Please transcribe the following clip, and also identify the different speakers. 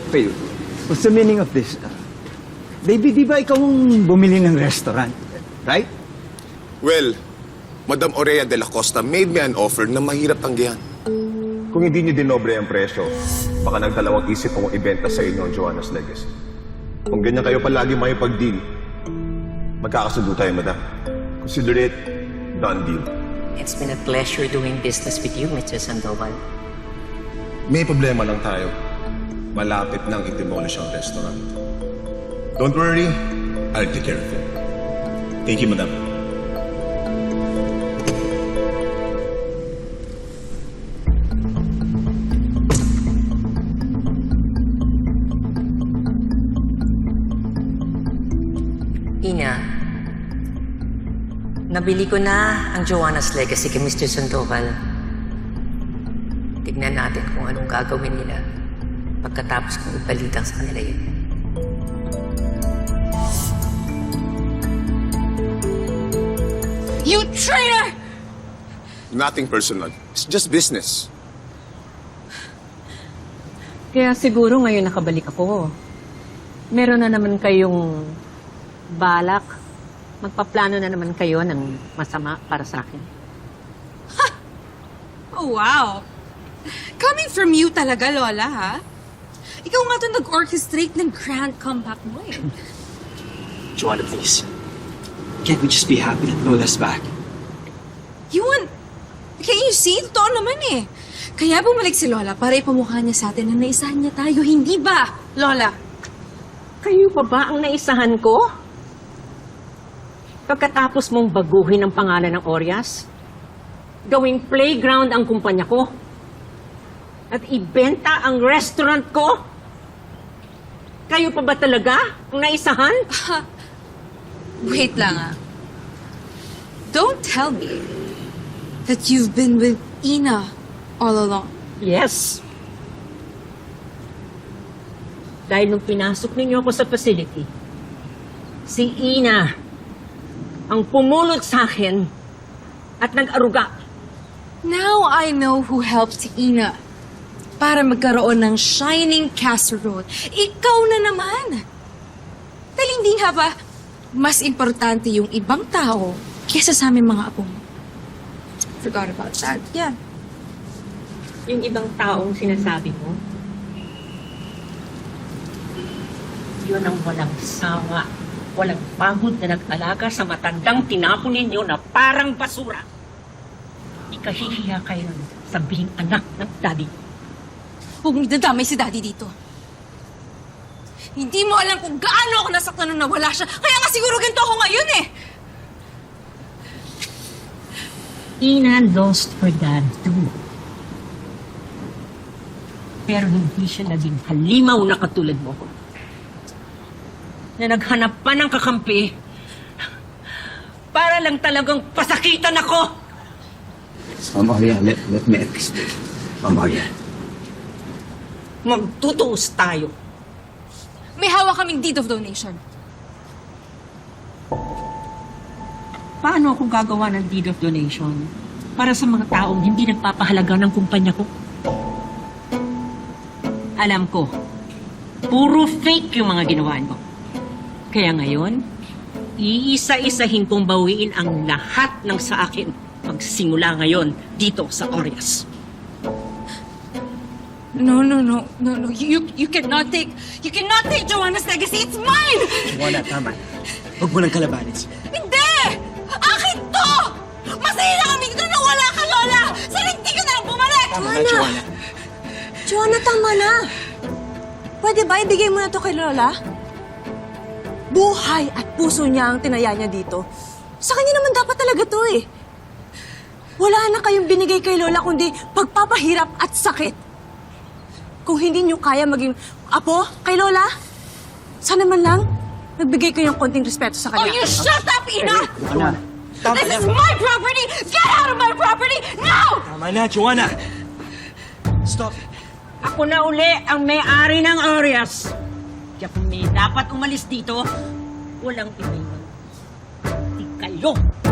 Speaker 1: Faye, what's the meaning of this? Baby, di ba ikaw ang bumili ng restaurant? Right?
Speaker 2: Well, Madam Aurea de la Costa made me an offer na mahirap tanggihan.
Speaker 3: Kung hindi niyo dinobre ang presyo, baka nagdalawang isip kung ibenta sa inyo ang Joanna's Legacy. Kung ganyan kayo palagi may pag-deal, magkakasundo tayo, madam. Consider it done deal.
Speaker 4: It's been a pleasure doing business with you, Mr. Sandoval.
Speaker 3: May problema lang tayo. Malapit nang i-demolish ang restaurant. Don't worry, I'll take care of it. Thank you, madam.
Speaker 4: Ina, nabili ko na ang Joanna's Legacy kay Mr. Sandoval. Tignan natin kung anong gagawin nila pagkatapos kong ipalitang sa kanila yun.
Speaker 5: You traitor!
Speaker 2: Nothing personal. It's just business.
Speaker 6: Kaya siguro ngayon nakabalik ako. Meron na naman kayong balak. Magpaplano na naman kayo ng masama para sa akin.
Speaker 5: Oh, wow. Coming from you talaga, Lola, ha? Ikaw nga ito nag-orchestrate ng grand comeback mo, eh.
Speaker 7: Joanna, please. Can't we just be happy that Lola's back?
Speaker 5: Can you see? Totoo naman, eh. Kaya bumalik si Lola para ipamukha niya sa atin na naisahan niya tayo. Hindi ba, Lola?
Speaker 6: Kayo pa ba ang naisahan ko? Pagkatapos mong baguhin ang pangalan ng Orias, gawing playground ang kumpanya ko, at ibenta ang restaurant ko? Kayo pa ba talaga ang naisahan?
Speaker 5: Wait lang, ah. Don't tell me that you've been with Ina all along.
Speaker 6: Yes. Dahil nung pinasok ninyo ako sa facility, si Ina ang pumulot sa akin at nag-aruga.
Speaker 5: Now I know who helped Ina para magkaroon ng shining casserole. Ikaw na naman. Dahil hindi nga ba mas importante yung ibang tao kesa sa aming mga apo mo? Forgot about that. Yeah.
Speaker 6: Yung ibang taong sinasabi mo, yun ang walang sawa, walang pagod na nag-alaga sa matandang tinapon ninyo na parang basura. Ikahihiya kayo nun sabihing anak ng daddy.
Speaker 5: Huwag mo dadamay si Daddy dito. Hindi mo alam kung gaano ako nasaktan nung nawala siya. Kaya nga siguro ganito ako ngayon, eh.
Speaker 6: Ina lost her dad too. Pero hindi siya naging halimaw na katulad mo. Na naghanap pa ng kakampi para lang talagang pasakitan ako.
Speaker 7: Ma'am Aurea, let me explain. Ma'am Aurea.
Speaker 6: Magtutuos tayo.
Speaker 5: May hawak kaming deed of donation.
Speaker 6: Paano ako gagawa ng deed of donation para sa mga taong hindi nagpapahalaga ng kumpanya ko? Alam ko, puro fake yung mga ginawa mo. Kaya ngayon, iisa-isahin kong bawiin ang lahat ng sa akin magsimula ngayon dito sa Orias.
Speaker 5: No. You cannot take Joanna's legacy. It's mine!
Speaker 7: Joanna, tama. Huwag mo nang kalabanin siya.
Speaker 5: Hindi! Akin to! Masaya na kami dito na wala ka, Lola! Sana hindi ka na lang bumalik!
Speaker 7: Tama na, Joanna.
Speaker 8: Joanna, tama na. Pwede ba ibigay mo na to kay Lola? Buhay at puso niya ang tinaya niya dito. Sa kanya naman dapat talaga to eh. Wala na kayong binigay kay Lola kundi pagpapahirap at sakit. Kung hindi niyo kaya maging apo kay Lola, sana man lang nagbigay kayo ng konting respeto sa
Speaker 5: Oh,
Speaker 8: kanya.
Speaker 5: you shut up, Ina!
Speaker 7: Joanna. Tama
Speaker 5: This
Speaker 7: na.
Speaker 5: is my property! Get out of my property now!
Speaker 7: Tama na, Joanna. Stop.
Speaker 6: Ako na uli ang may-ari ng Orias. Kaya kung may dapat umalis dito, walang iba yun. Di kayo.